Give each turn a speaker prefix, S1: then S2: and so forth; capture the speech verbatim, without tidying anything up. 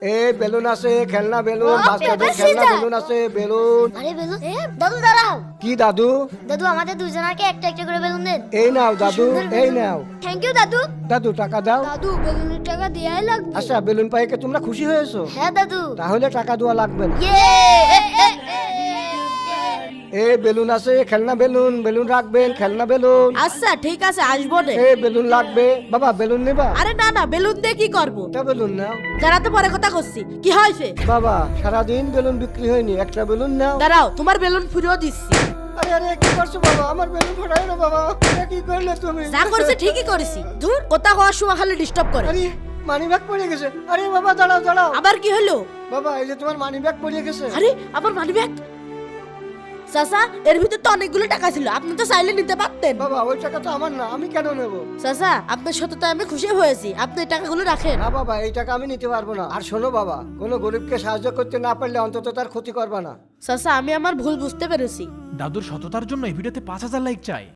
S1: এ balloon আছে, খেলনা balloon, বাচ্চাদের খেলনা বেলুন আছে, বেলুন।
S2: আরে বেলুন, এ দাদু দাঁড়াও।
S1: কি দাদু?
S2: দাদু আমাদের দুজনাকে একটা একটা করে বেলুন দেন।
S1: এই নাও দাদু, এই নাও।
S2: থ্যাংক ইউ দাদু।
S1: দাদু টাকা দাও।
S2: দাদু বেলুনের টাকা দেয়াই লাগবে।
S1: আচ্ছা বেলুন পাইকে কি তোমরা খুশি হয়েছো?
S2: হ্যাঁ দাদু।
S1: তাহলে টাকা দেওয়া লাগবে না।
S2: ইয়ে
S1: এ বেলুন আছে, খেলনা বেলুন, বেলুন রাখবেন, খেলনা বেলুন।
S3: আচ্ছা ঠিক আছে আসবো রে।
S1: এ বেলুন লাগবে বাবা, বেলুন নেবা?
S3: আরে না না বেলুন দিয়ে কি করবো?
S1: একটা বেলুন নাও।
S3: যারা তো পরে কথা করছি কি হয়েছে?
S1: বাবা সারাদিন বেলুন বিক্রি হয়নি, একটা বেলুন নাও।
S3: দাঁড়াও তোমার বেলুন ফিরিয়ে দিচ্ছি।
S1: আরে আরে কি করছো বাবা, আমার বেলুন ফাটাই না বাবা, এটা কি করলে তুমি?
S3: যা করছে ঠিকই করেছি। ধুর কথা কওয়ার সময় খালি ডিস্টার্ব করে।
S1: আরে মানি ব্যাগ পড়ে গেছে। আরে বাবা দাঁড়াও দাঁড়াও।
S3: আবার কি হলো?
S1: বাবা এই যে তোমার মানি ব্যাগ পড়ে গেছে।
S3: আরে আবার মানি ব্যাগ। চাচা এর ভিতর তো অনেকগুলো টাকা ছিল, আপনি তো চাইলে নিতে পারতেন।
S1: বাবা ওই টাকা তো আমার না, আমি কেন নেব?
S3: চাচা আপনার সাথে তো আমি খুশি হয়েছি, আপনি এই টাকাগুলো রাখেন।
S1: না বাবা এই টাকা আমি নিতে পারবো না। আর শোনো বাবা, কোনো গরিবকে সাহায্য করতে না পারলে অন্তত তার ক্ষতি করবা না।
S3: চাচা আমি আমার ভুল বুঝতে পেরেছি।
S4: দাদুর সততার জন্য এই ভিডিওতে পাঁচ হাজার লাইক চাই।